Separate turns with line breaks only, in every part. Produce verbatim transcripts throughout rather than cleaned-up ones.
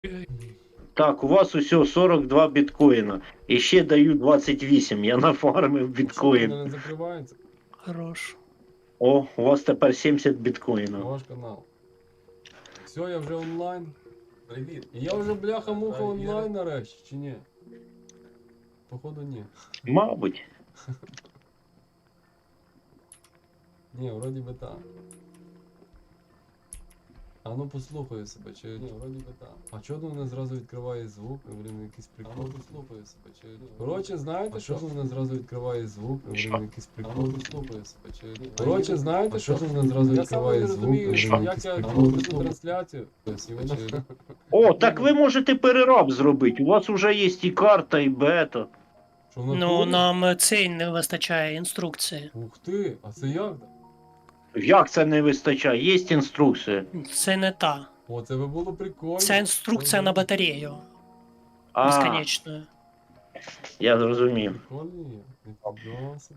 Так, у вас усього сорок два біткоїна. І ще даю двадцять вісім. Я нафармив
Що,
біткоін.
вона не закривається?
Хорош.
О, у вас тепер сімдесят біткоїна.
Ваш канал. Все, я вже онлайн. Привіт. Я вже бляха-муха онлайн нарешті, чи ні? Походу ні.
Мабуть.
Ні, вроді би так. А ну послухаю себе, чи ні, вроді би так. А чого мене зразу відкриває звук? Блін, якийсь прикол. А ну послухаю себе, чи ні. Коротше, знаєте, що мене зразу відкриває звук? Блін, якийсь прикол. А ну послухаю себе, чи ні. Коротше, знаєте, що мене зразу відкриває звук? Блін, як я веду трансляцію?
О, так ви можете перераб зробити. У вас вже є і карта, і бета.
Що в
Ну,
натурі?
нам цей не вистачає інструкції.
Ух ти, а це як?
Як це не вистачає? Є інструкція.
Це не та.
О, це би було прикольно.
Це інструкція на батарею.
А,
Безконечною.
я зрозумів.
Прикольно є. Ніфіга собі.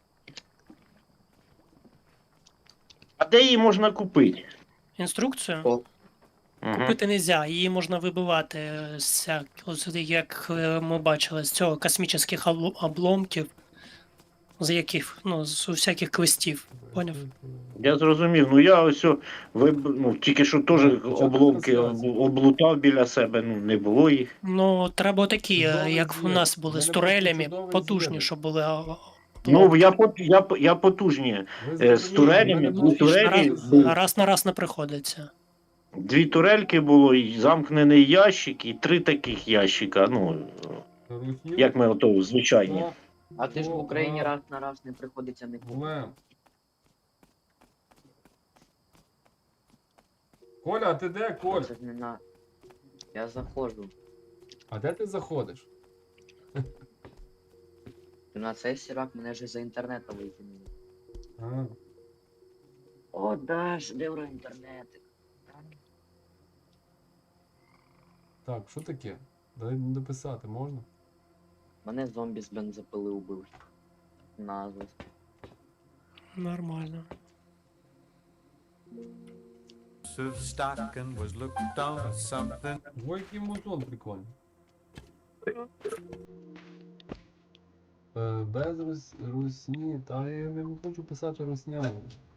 А де її можна купити?
Інструкцію
Угу.
купити не можна, її можна вибивати з, ось, як е, ми бачили, з цього космічних обло- обломків, з яких, ну, з усяких квестів. Поняв?
Я зрозумів. Ну я ось о, виб... ну, тільки що теж обломки об- облутав біля себе, ну не було їх.
Ну, треба такі, е,
Чудовий
як в
звір.
нас були
Мене
з
просто
турелями,
чудовий
потужні,
звір.
щоб були. а,
Ну я пот- я, п- я потужні.
Ви
Е, з
зрозуміли,
турелями,
в мене
ну,
просто
турелі
чудовий
раз,
був.
звір.
раз на раз не приходиться.
Дві турельки було, і замкнений ящик, і три таких ящика. Ну
Рухів.
як ми ото звичайні.
Так.
А ти ж в
О,
Україні
а.
раз на раз не приходиться не
Глем. Коля, а ти де, Коль?
Це ж не на. Я заходжу.
А де ти заходиш?
На цей сірак мене ж за інтернету витягнули.
А,
О, Даш, де про інтернетик?
так, що таке? Дай дописати можна?
Мене зомбі з бензопили убив. Назва.
Нормально.
of stock and was looked on as something.
Ой, який музон прикольний. Е, Без рус... русні, та я не хочу писати руснями.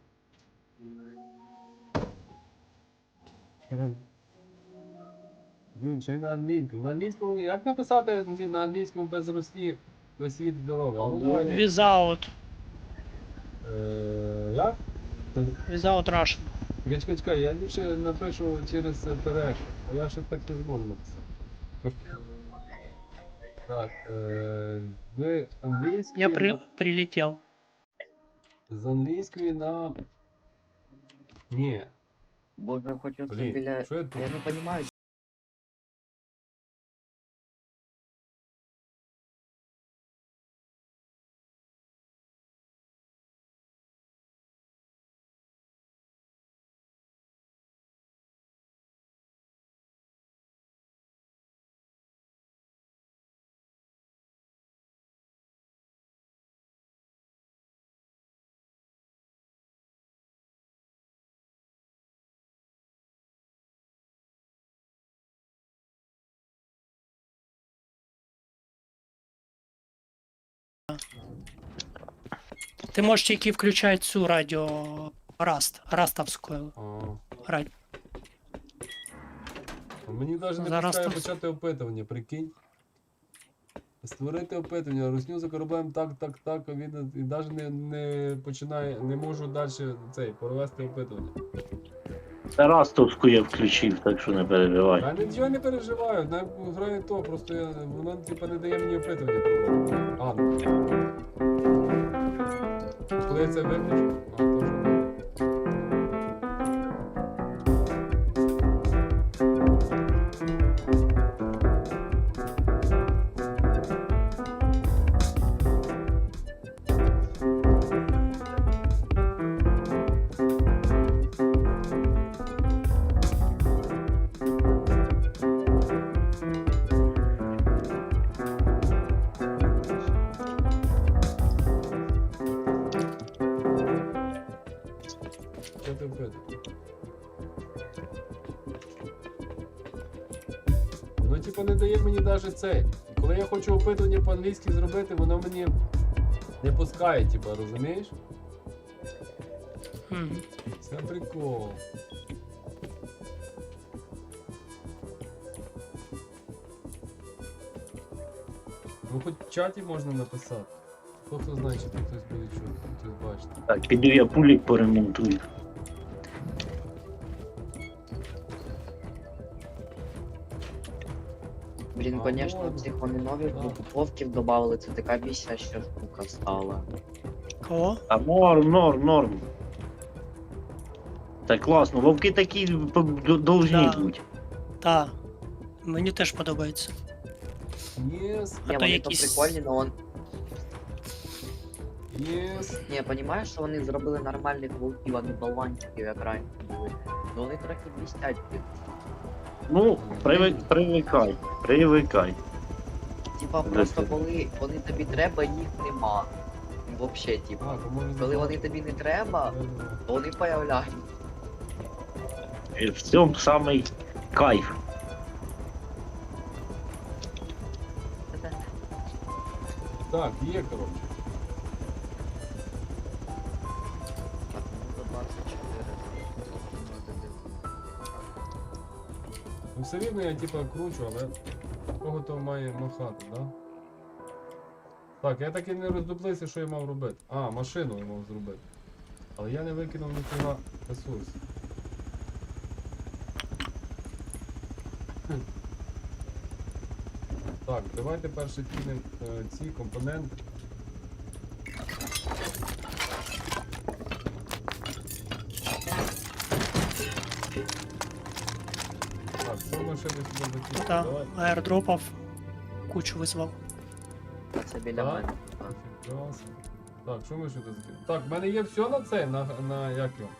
Блін, ще й на англійському. На англійському, як написати на англійському без русні весь світ дорога? Ну, давай.
Without.
Е, Як?
Without Russian.
Чекай, чекай, чекай, я ліпше напишу через переклад, а я ще так не зможу написати. Так, е, ви англійською...
Я при... прилетел.
З англійської на... Ні.
Боже, хочу це
Блін,
біля.
що я тут?
Я не розумію.
Ти можеш тільки включати цю радіо Раст, Растовську
А,
радіо.
а мені навіть не
Зараз
пускає
там-
почати опитування, прикинь. Створити опитування, русню за кораблем так, так, так, а він і навіть не, не починає, не можу далі цей, провести опитування.
Тарастовську я включив, так що не переживай.
Я нічого не переживаю, не грає то, просто я, воно типа не дає мені опитування проводити. А, ну. Коли я це виключу? А, то вже. воно типу не дає мені навіть цей. І коли я хочу опитування по-англійськи зробити, воно мені не пускає, типу, розумієш?
Мгм.
Це прикол. Ну хоч в чаті можна написати. Хто хто знає, чи тут хтось буде чути, хтось бачити.
Так, піду я пулік поремонтую.
Блін,
А,
конечно,
можна.
цих вони нових
Да.
упаковків додавали, це така бісяща штука стала.
Кого?
А норм, норм, норм. Так класно, вовки такі п- д- должні
Да.
бути.
Та. Мені теж подобається.
Єс,
А
Ні,
то
вони
якісь-
то прикольні, но он...
єс.
Ні, понімаєш, що вони зробили нормальних вовків, а не баланчиків, як раніше були. Ну вони трохи блістять. блін.
Ну, привик, привикай, привикай.
Типа просто коли вони тобі треба, їх нема. Вообще, типа.
А, то може
Коли вони тобі не треба, то вони появляються.
І в цьому самий кайф.
Так, є, коротше.
Так, ну, двадцять чотири.
Ну все рівно я типа кручу, але кого то має махати, да? Так, я так і не роздуплився, що я мав робити. А, машину я мав зробити. Але я не викинув ніфіга ресурс. Хм. Так, давайте перше кинемо е, ці компоненти. Так, що ми ще десь сюди закинемо?
Та.
Давай.
Аердропав. Кучу визвав.
А це біля
Так.
мене. Так.
Прекрасно. Так, що ми сюди закинемо? Так, в мене є все на це, на, на як його?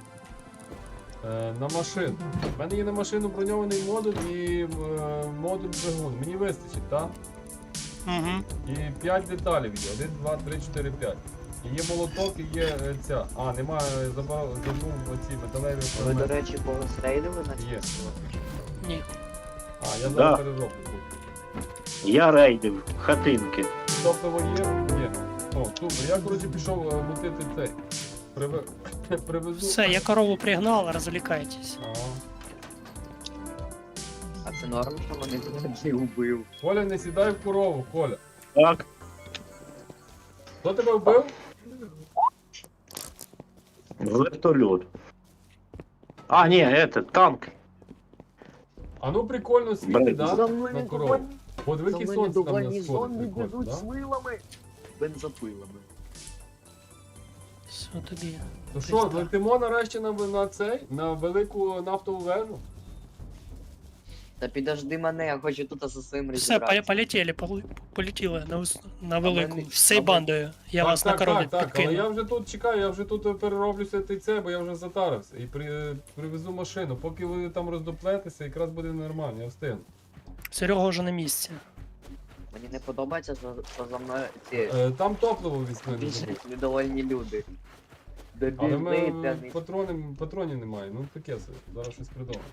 Е, на машину. В мене є на машину броньований модуль і е, модуль двигун. Мені вистачить, так?
Угу.
І п'ять деталей є. один, два, три, чотири, п'ять. І є молоток, і є е, ця. А, немає, забрав, забув оці металеві
Ви, до
елементи.
речі, когось рейдили на
Є.
Ні.
А, я зараз
Да.
перероблю.
Я рейдив хатинки.
Топливо є? Є. О, супер. Я, коротше, пішов е, мутити цей. Приве... Привезу.
Все, я корову пригнал, розвлікайтесь.
Ага.
А це норм, що мене тоді убив.
Коля, не сідай в корову, Коля.
Так,
Хто тебе вбив?
вертольот. А, ні, это танк.
А ну прикольно світи,
Блин.
да?
За
На
мною
корову. Подиви,
За
яке
мною
сонце там
дугані
на
зомбі
сходах виходить,
біжуть
да?
з вилами. Бензопилами.
Все тобі.
То що, летимо нарешті на, на цей, на велику нафтову вежу?
Та підожди мене, я хочу тут зі своїм
Все,
розібратися.
поле- полетіли, полу- полетіли на, ус- на велику.
мене-
Всією
а
бандою. Я
так,
вас
так,
на корові
так, так, але
підкину.
я вже тут чекаю, я вже тут перероблюся ти це, бо я вже затарився. І при, привезу машину. Поки ви там роздоплетеся, якраз буде нормально, я встигну.
Серега вже на місці.
Мені не подобається, що, що за мною ці
Е, там топливо візьми, не забудь.
біжать недовольні люди. Де
Але
біжни,
ми
та не...
патрони, патронів немає, ну таке собі, зараз щось придумаємо.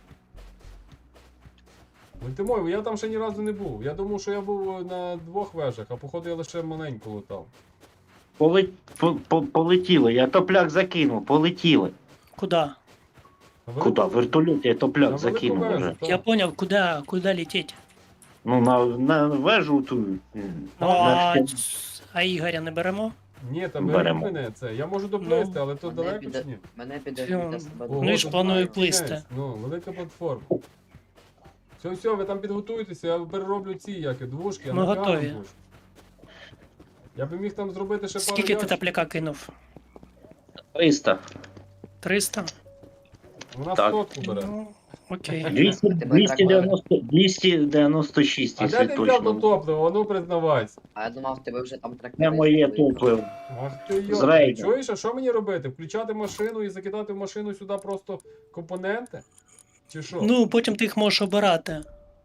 Мультимой, я там ще ні разу не був. Я думав, що я був на двох вежах, а походу я лише маленьку лутав.
Поле- по- по- Полетіли, я топляк закинув, полетіли.
Куда?
На
Куда?
велику-
Вертольот я
на
топляк
велику
закинув
вежу,
вже.
так.
Я понял, куда, куда лететь.
Ну, на, на вежу ту. м,
Ну,
на
а,
стін-
ц- а Ігоря не беремо?
Ні, там
Беремо.
беремо мене це. Я можу доплисти,
Ну,
але то
мене
далеко
піде-
чи ні?
Мене піде
Фіон.
для себе.
Ого,
Ну, і ж
то
планую
файно,
плисти.
кінець. Ну, велика платформа. Все, все, ви там підготуйтеся, я перероблю ці як і, двушки, я
Ми
накалю
готові.
двушки. Я би міг там зробити ще пару
Скільки ти
ящиків.
топляка кинув?
триста.
триста?
Вона
Так.
сотку бере.
Ну, окей.
двісті,
Тебе
двісті
так
дев'яносто, двісті дев'яносто шість,
А
якщо
де ти взяв то
точно.
топливо? Ну признавайся.
А я думав, тебе вже там
Не
трактори.
моє
стоїть.
топливо.
Ах ти
З
йо,
рейду.
чуєш, а що мені робити? Включати машину і закидати в машину сюди просто компоненти? Чи що?
Ну, потім ти їх можеш обирати.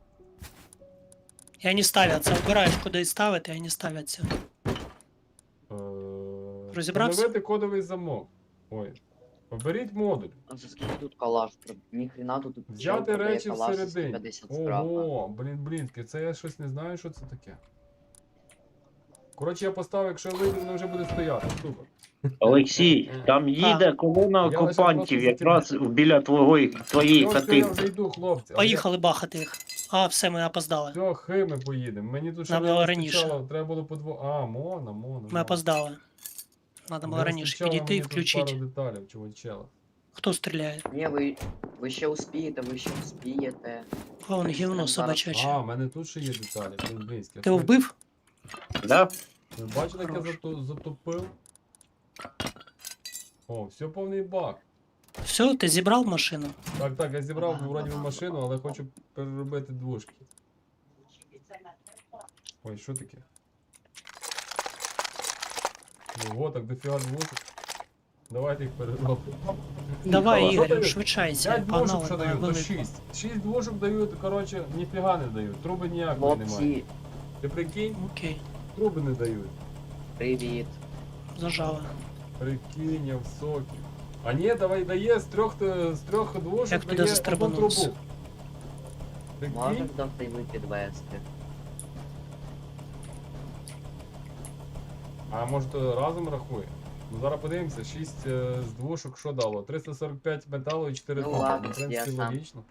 І вони ставляться. Обираєш, куди ставити, і вони ставляться.
Е,
Розібрався?
Встановити кодовий замок. Ой. Поберіть модуль.
А за скільки тут калаш? Ніхрена тут чел
Взяти
продає
речі
калаш за
всередині.
сто п'ятдесят штрафа.
Ого, блін, блін, це я щось не знаю, що це таке. Коротше, я поставив, якщо я вийду, воно вже буде стояти. Супер.
Олексій, там їде колона
Я лише
окупантів
просто
якраз біля твого, твоєї
Все, все, я вже
хати.
йду, хлопці. але
Поїхали бахати їх. А, все, ми опоздали.
Я... Все, хи ми поїдемо. Мені тут ще
Нам
не
було
вистачало,
раніше.
треба було по дво... А, мона, мона.
Ми
мона.
опоздали. Надо було
Не
раніше
вистачало
підійти і
мені тут
включити.
пару деталей, чувачела.
Хто стріляє?
Ні, ви, ви ще успієте, ви ще успієте.
О, он гівно
Прям зараз.
собачаче.
А, в мене тут ще є деталі, блін, близькі.
Ти його вбив?
Да?
Ви бачите, як я
Хорош.
зато- затопив? О, все повний бак.
Все, ти зібрав машину?
Так, так, я зібрав вроді би машину, але хочу переробити двушки. Ой, що таке? Ого, так дофіга двушок. Давайте їх переробимо.
Давай,
А що
Ігор,
дають?
швидшайся.
п'ять двушок
Погнали
що
на
дають, то
велику.
шість. шість двушок дають, коротше, ніфіга не дають. Труби ніякої немає.
Хлопці,
Ти прикинь,
Окей,
труби не дають.
привіт.
зажали.
Прикинь, я в сокі. А ні, давай дає з трьох, е, з трьох двушок
Як туди
дає одну
застрибануться?
трубу.
Може
Прикинь?
вдасться й ви підвести.
А може то разом рахує? Ну зараз подивимося, шість е, з двушок що дало? триста сорок п'ять металу і чотири
Ну
тонни.
ладно,
Ну, в принципі,
я сам.
логічно.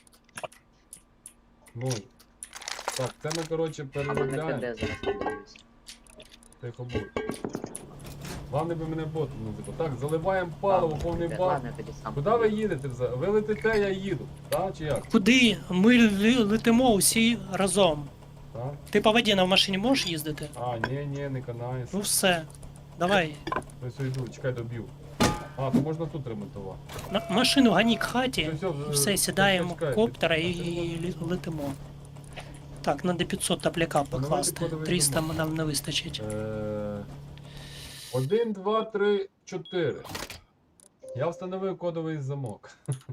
Ну. Так, це ми, коротше,
А ви на
переробляємо.
КД зараз подивлюсь.
Тихо будь. Главне би мене ботом не забув. Так, заливаємо паливо, повний бак.
Ладно, я тоді сам.
Куди ви їдете взагалі? Ви летите, я їду. Так чи як?
Куди? Ми лі- летимо усі разом.
Так?
Ти по воді на машині можеш їздити?
А, ні, ні, не канає.
Ну все. Давай.
Ось йду, чекай, доб'ю. А, то можна тут ремонтувати.
На машину гані к хаті.
Все, все,
Все, сідаємо в
чекай,
коптера і
чекай.
лі- летимо. Так, надо п'ятсот топляка покласти.
кодовий
триста
замок.
нам не вистачить.
Е, Один, два, три, чотири. Я встановив кодовий замок.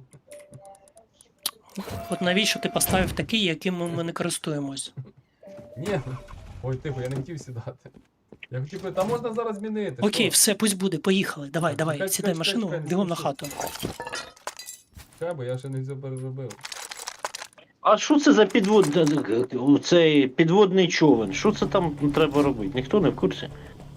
От навіщо ти поставив такий, яким ми, ми не користуємось?
Ні. Ой, тихо, я не хотів сідати. Я хотів би, та можна зараз змінити.
Окей,
що?
все, пусть буде, поїхали. Давай,
Так,
давай,
чекай,
сідай в
чекай,
машину,
чекай, не
бігом на
спіши.
хату.
Чекай, бо я ще не все переробив.
А що це за підвод... цей підводний човен? Що це там треба робити? Ніхто не в курсі?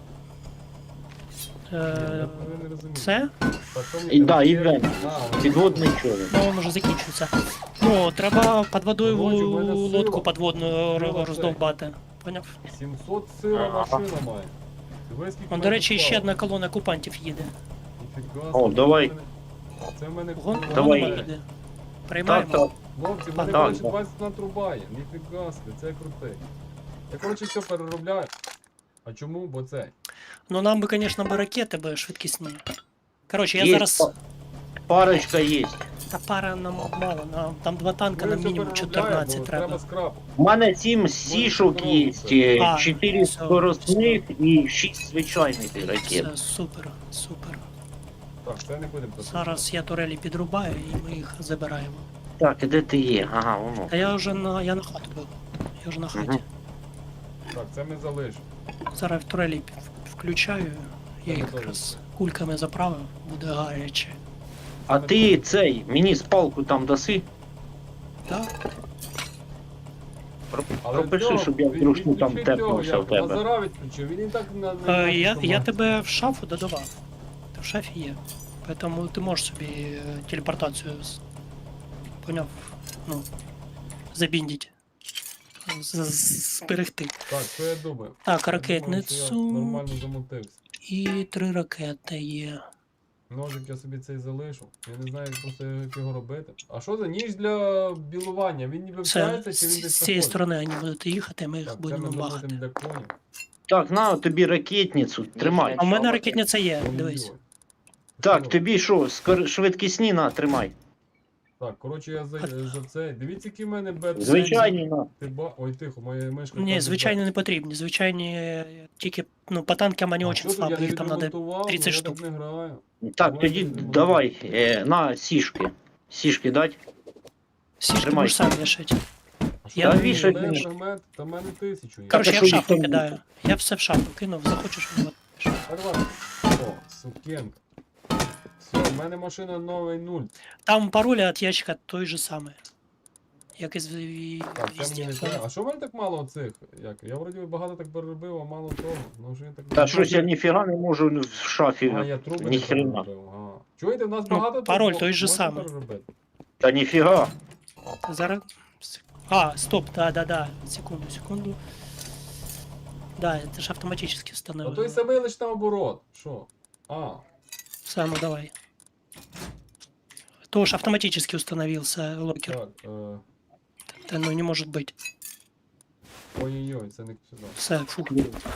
Ні,
Е,
я не розумію.
Це?
Так, то
І, да,
є-
івент.
А, ось.
Підводний човен.
Ну, воно вже закінчується. Ну, треба під водою
Володю, в мене
лодку
сила.
підводну
Сила
р- роздовбати. Поняв?
сімсот сила машина має. Диви, скільки
Он,
в
до
мене
речі,
тут
ще
палива.
одна колона окупантів їде.
Ніфіга
О,
собі,
давай.
це в мене- Це в мене
Гон,
круто.
Давай.
гонова їде.
Так,
Приймаємо.
так.
Хлопці, в мене
Так,
коротше
так.
двадцять на труба є. Ніфіга собі, це крутий. Я коротше все переробляю. А чому? Бо це.
Ну нам би, звісно, би ракети би швидкісні. Коротше, я
Є
зараз.
па- Парочка є.
Та пара нам мало, нам там два танка,
Ну,
нам
я все
мінімум
переробляю,
чотирнадцять
бо
треба.
Треба скрап.
У мене сім сішок є,
А,
чотири
все,
скоростних і шість звичайних ракет.
Все, супер, супер.
Так, це не будемо працювати.
Зараз я турелі підрубаю і ми їх забираємо.
Так, і де ти є? Ага, воно.
Та я вже на я на хату був. Я вже на хаті.
Мгм.
Так, це ми залишимо.
Зараз в турелі пі- включаю. Я їх якраз кульками заправив, буде гаряче.
А ти цей, мені спалку там даси?
Так?
Про-
Але
Пропиши,
цього,
щоб я
від-
вдруг там
відключи цього,
тепнувся
як,
в тебе.
Лазара відключив, він і так на, на
Е, я, я
команді.
тебе в шафу додавав. Ти в шафі є. Поэтому ти можеш собі е, телепортацію з- поняв, ну, забіндіть. З- з- Зберегти.
Так, що я думаю?
Так,
Я думаю, що я
ракетницю
нормально замутився.
і три ракети є.
Ножик я собі цей залишу. Я не знаю просто як його робити. А що за ніж для білування? Він ніби
Все,
вчається чи він
з,
десь
з цієї
заходить?
сторони вони будуть їхати, ми їх
Так, це
будемо
ми
бахати.
замутимо для конів.
Так, на тобі ракетницю, тримай.
А в мене
Що ви?
ракетниця є,
Ой-ой-ой.
дивись.
Так,
Що?
тобі що, скор- швидкісні на, тримай.
Так, коротше, я за, за це. Дивіться, які в мене бет.
Звичайні на.
Ти ба... Ой, тихо, моя мишка.
Ні,
каже,
звичайно, не потрібні. Звичайні е, тільки ну, по танкам вони
«Бет». А
очень
що тут, я
слабі,
не
їх там треба
відремонтував,
тридцять
ну, я
штук.
так не граю.
Так, тоді давай, е, на сішки. Сішки дать.
Всі ж ти
Тримай.
будеш сам вішати.
А що
Я
я
вішаю,
вішаю,
конечно.
фрагмент, та в мене тисячу є.
Коротше,
а
я
що
в шафу
їх там
кидаю. Я все в шафу кинув, захочеш, от.
А давай. О, сукенка. Все, в мене машина новий нуль.
Там пароль від ящика той же самий. Як і з і
Так, це
везде.
мені не треба. А що в мене так мало цих? Як? Я вроді багато так переробив, а мало того. Ну, що я так...
Та щось я ніфіга не можу в шафі.
А, я труби не
Ніхрена.
переробив. Ага. Чуєте, в нас
Ну,
багато
пароль
трубок,
той же
можна
самий.
переробити?
Та ніфіга.
Зараз. А, стоп, да, да, да. Секунду, секунду. Да, это же автоматически
А
установлено.
той самий лиш наоборот. Що? А,
Само, давай. Тоже автоматически установился локер.
так. Е...
Да, ну не может быть.
Ой-ой-ой, це не сюди.
Все, фу.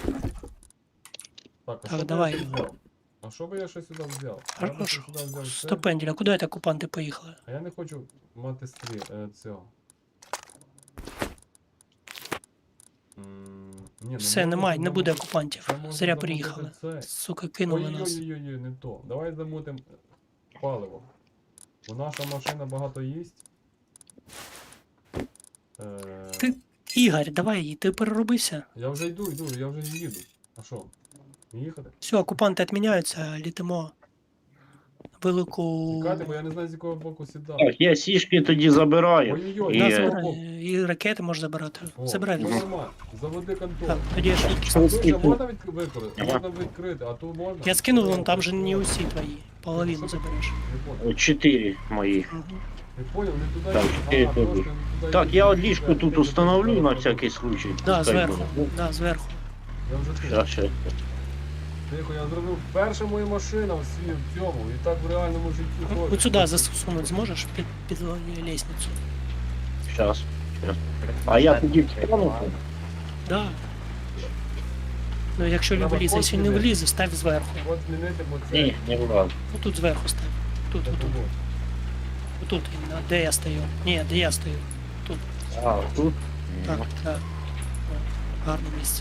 Так, а
Так,
що би
давай.
я ще взяв? А що би я ще сюди взяв? Я би ще
Хорошо.
сюди взяв це.
Стопендель, а куда это оккупанты поехали?
А я не хочу мати стрі... е, цього. М, ні, ну
Все,
можна
немає, не
заму-
буде окупантів.
Це можна
Зря
замутити
приїхали.
це.
Сука, кинули нас.
Ой-ой-ой, не то. Давай замутим паливо. Бо наша машина багато їсть. Е,
Ти- Ігор, давай, ти переробився.
Я вже йду, йду, я вже їду. А що? Їхати?
Все, окупанти відміняються, літимо. Велику.
Чекайте, бо я не знаю, з якого боку сідати.
Так, я сішки тоді забираю.
Ой-ой-ой,
І,
Да,
е,
забирай. І ракети можеш забирати.
О,
Забирай.
ну нормально. Заводи контроль.
Так, тоді я швидкість.
А тут
Скільки?
ще можна від... використати?
Ага.
Можна відкрити, а тут можна?
Я скинув, вон там же не усі твої. Половину забереш.
Не понял.
Чотири мої.
Мгм.
Не понял, не туди
Так,
їду.
чотири
А,
тут.
трошки не туди
Так,
їду.
я от ліжку
Туди,
тут
туди,
установлю
туди,
на
туди.
всякий случай.
Да,
Пускай
зверху.
буде.
Да, зверху.
Я вже тут.
Щас, щас.
Тихо, я зробив перша моя машина в свій в цьому. І так в реальному житті
Ну,
теж.
от сюди засунуть зможеш під, під лестницю.
Щас. щас. А я тоді встану.
Да. Ну, якщо не
Треба
влізе, якщо не
код
влізе, став зверху.
От змінити, бо це...
Ні, не влазь.
Ну тут зверху став. Тут,
це
отут,
було.
отут, іменно, де я стою. Ні, де я стою. Тут.
А, тут?
Так, так. О, гарне місце.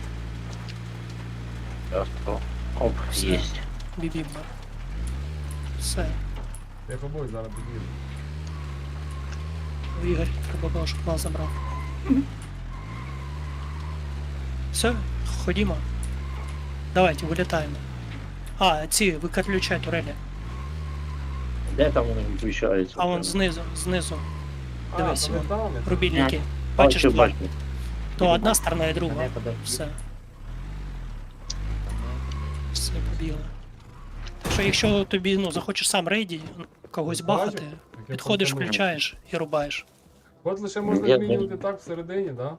Щас, о. Оп,
Все.
єсть.
Бібімба. Все.
Я побой зараз під'їду.
Ігор, треба було, щоб нас забрав. Все, ходімо. Давайте, вилітаємо. А, ці, виключай турелі.
Де там вони виключаються?
А вон знизу, знизу.
А,
Дивись,
то не
вон.
там, я-
Рубільники. Бачиш
Бачу,
два.
бачу.
То одна сторона і друга.
Мене подожди.
Все, все побігли. Так що якщо тобі ну, захочеш сам рейді, когось
Бачу,
бахати,
як я
підходиш,
фантанув.
включаєш і рубаєш.
От лише можна
Я-
змінювати так всередині, да?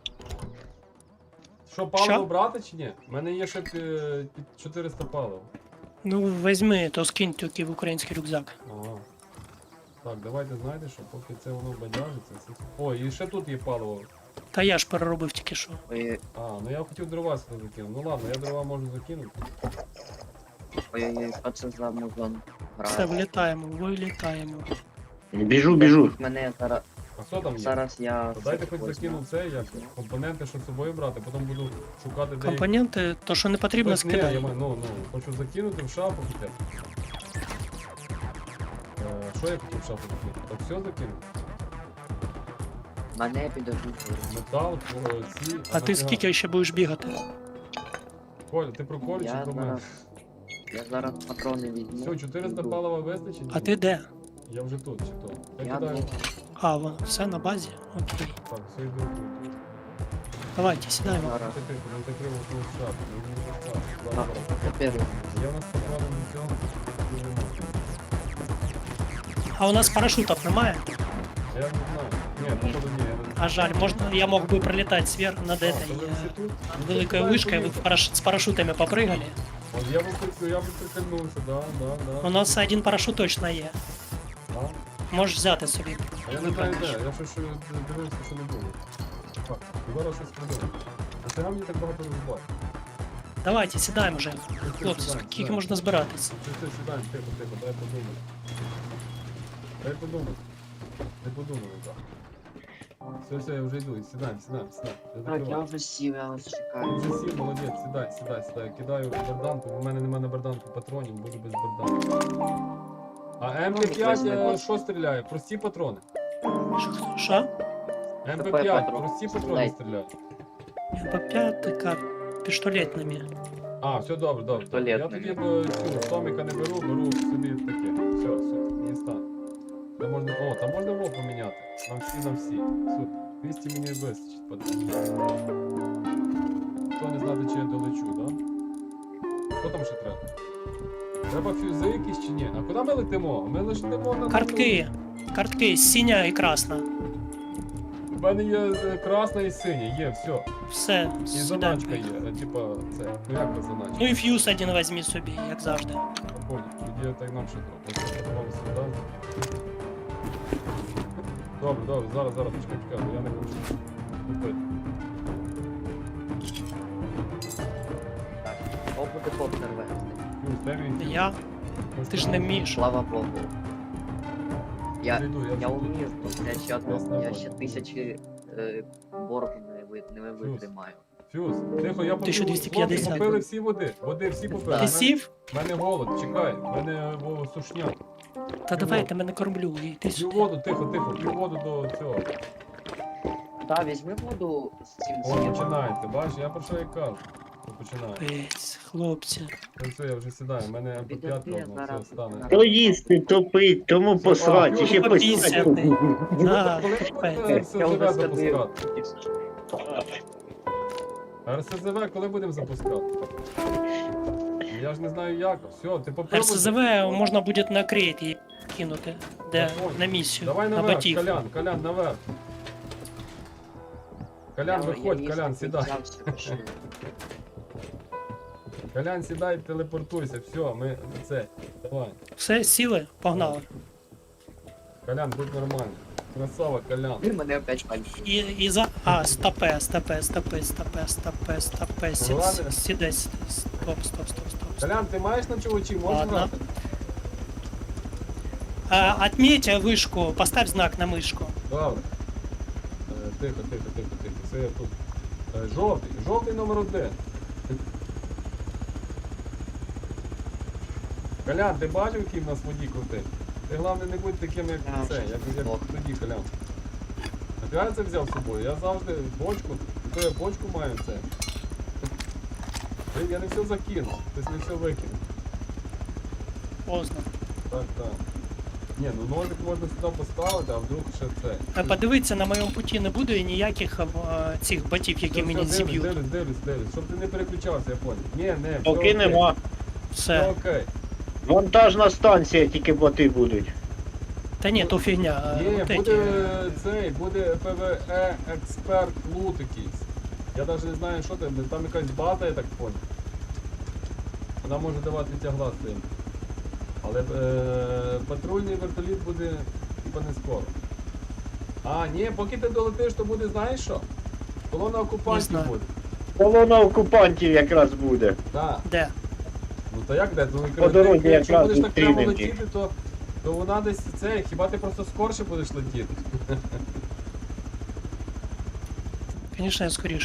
Що, паливо
Що?
брати чи ні? У мене є ще пі- під чотириста палива.
Ну, візьми, то скинь тільки в український рюкзак.
Ага. Так, давайте знаєте, що поки це воно бадяжиться. Це... О, і ще тут є паливо.
Та я ж переробив тільки що.
Ой,
А, ну я хотів дрова сюди закинути. Ну ладно, я дрова можу закинути.
ой, що це за музон?
Все, вилітаємо, вилітаємо.
Біжу, біжу.
Мене зараз,
А що там є?
зараз я...
То дайте хоч
возьму.
закину це, як компоненти, щоб з собою брати, потім буду шукати де. їх-
Компоненти, то що не потрібно,
Ось ні, я
скидай.
маю, ну, ну, хочу закинути в шафу хотя б. Е, Що я хотів в шафу закинути? Так все закинув?
Мене підождуть.
Метал, о, ці...
А ти
нафіга?
скільки ще будеш бігати?
Коля, ти про Колю чи
Я
про мене?
зараз, я зараз патрони візьму.
Все, чотириста
піду.
палива вистачить?
А ти де?
Я вже тут, чи то? Я,
Я
кидаю.
тут.
А, вон, все на базі? Окей.
Так, все йду тут.
Давайте, сідаємо.
Зараз.
Ти тихо, не закрив окно в шафу. Ну, не в шафу.
А,
Ладно, ладно.
тепер
Я у нас поправив на цьому. Дуже мало.
А у нас парашутів немає?
Я не знаю. Ні, походу ні. Я не...
А жаль, можна, я мог бы пролетать сверху над
А,
этой
то ви
э,
всі тут? Ну,
великой
сідай,
вышкой, вы
поїхали.
параш- с парашютами попрыгали.
От я би прик- я би прикольнувся, да, да, да.
У нас один парашут точно є.
Да.
Можеш взяти собі.
А я не знаю де, я щось що дивився, що не було. Так, зараз щось придумав. А ти мені так багато розбав.
Давайте, сідаємо вже. Хлопці, скільки можна збиратись?
Ти, ти, сідай, тихо, тихо, дай подумати. Дай подумати. Не подумали, так. Все, все, я вже йду, сідаємо, сідаємо, сідаємо. Я
Так, я
закриваю.
вже сів, я вас
Ти
чекаю.
вже сів, молодець, сідай, сідай, сідай. Кидаю берданку, бо в мене немає на берданку патронів, буду без берданки. А ем пі п'ять е, що стріляє? Прості патрони.
Ш- Що?
ем пі
Це
п'ять,
патрон.
прості патрони
Дай.
стріляють.
По п'ятика пістолетними.
А, все добре, добре. добре. Я
Туалетний.
тоді б цю Томіка не беру, беру собі таке. Все, все, не стан. Де можна. О, там можна рол поміняти. Нам всі, нам всі. Супер. двісті мені вистачить. Подивись. Хто не знати, чи я долечу, да? Що там ще треба? Треба фюзи якісь чи ні? А куди ми летимо? Ми летимо на...
Картки. Картки синя і красна.
У мене є е, красна і синя, є, все.
Все,
І
сюди.
заначка є, е, типа це. Ну як це заначка?
Ну і фьюз один візьмі собі, як завжди.
Понял, тоді так нам ще треба. Ось сюди. Добре, добре, зараз, зараз, почекай, почекай, бо я не хочу купити.
Так, о, буде коптер вести.
Плюс, де він?
Я?
Може,
Ти ж не вмієш.
Слава Богу. Я,
Прийду, я
я
вже тут.
вмію, я ще
Ясно,
одну, я
понял.
ще тисячі е, боргу не, ви- не витримаю.
Фюз, тихо, я попив.
тисяча двісті п'ятдесят.
Хлопці, попили всі води. Води всі попили.
Ти
У
сів?
мене голод, чекай, в мене о, сушняк.
Та давай, ти мене кормлю, і ти
П'ю
сюди.
воду, тихо, тихо, п'ю воду до цього.
Та, візьми воду з цим
О,
з'їм.
починаєте, бачиш, я про що і кажу. Що починаю.
Пець, хлопці.
Ну все, я вже сідаю, у мене ем пе п'ять
Підожди,
ровно, все,
зараз.
стане.
То їсти, то пить, тому посрать,
а,
ще
ну,
посрать.
пісяти. Да,
Коли
чекай.
будете
Я
РСЗВ
вже скажу.
запускати? РСЗВ коли будемо запускати? Я ж не знаю як. Все, ти попробуй.
РСЗВ можна буде на крейт її кинути. Де?
Я понял.
На місію.
Давай
На
наверх,
батіг.
Колян, Колян, наверх. Колян,
Я-
виходь,
я
Колян,
їсти
сідай.
взявся, пішли.
Колян, сідай, телепортуйся, все, ми це. Давай.
Все, сіли? Погнали.
Колян, будь нормальний. Красава, Колян.
Він мене опять пальці.
І, і за... А, стопе, стопе, стопе, стопе, стопе, стопе, сі-
Ну, ладно.
сідай, сідай. Стоп, стоп, стоп, стоп. стоп.
Колян, ти маєш на чувачі, можеш
Ладно.
грати?
А, отметь вышку, поставь знак на мышку.
Добре. Е, Тихо, тихо, тихо, тихо. Це я тут. Е, Жовтий, жовтий номер один. Колян, ти бачив, який в нас водій крутий? Ти головне не будь таким, як
Я
це,
вже
як, як
здох.
тоді, Колян. А я це взяв з собою? Я завжди бочку, то я бочку маю це. Блін, я не все закинув, хтось не все викинув.
Поздно.
Так, так. Ні, ну ножик можна сюди поставити, а вдруг ще це.
А подивитися на моєму путі не буде ніяких а, цих ботів, які
Все,
мені
все,
зіб'ють.
Дивлюсь, дивлюсь, дивлюсь, дивлюсь. Щоб ти не переключався, я понял. Ні, не, все
Поки
окей.
нема.
Все
Все.
окей.
Вантажна станція, тільки боти будуть.
Та ні, то фігня. а,
Ні,
от
буде
эти.
цей, буде ПВЕ експерт лут якийсь. Я навіть не знаю, що там, там якась база, я так понял. Вона може давати тягла з цим. Але е, патрульний вертоліт буде типа не скоро. А, ні, поки ти долетиш, то буде, знаєш що? Колона
Не
окупантів
знаю.
буде.
Колона окупантів якраз буде.
Так.
Де?
Ну то як де? Ну,
По дорозі
ти, якщо
якраз
будеш так прямо
зустрінемо їх.
летіти, то, то вона десь це, хіба ти просто скорше будеш летіти?
Звісно, я скоріше.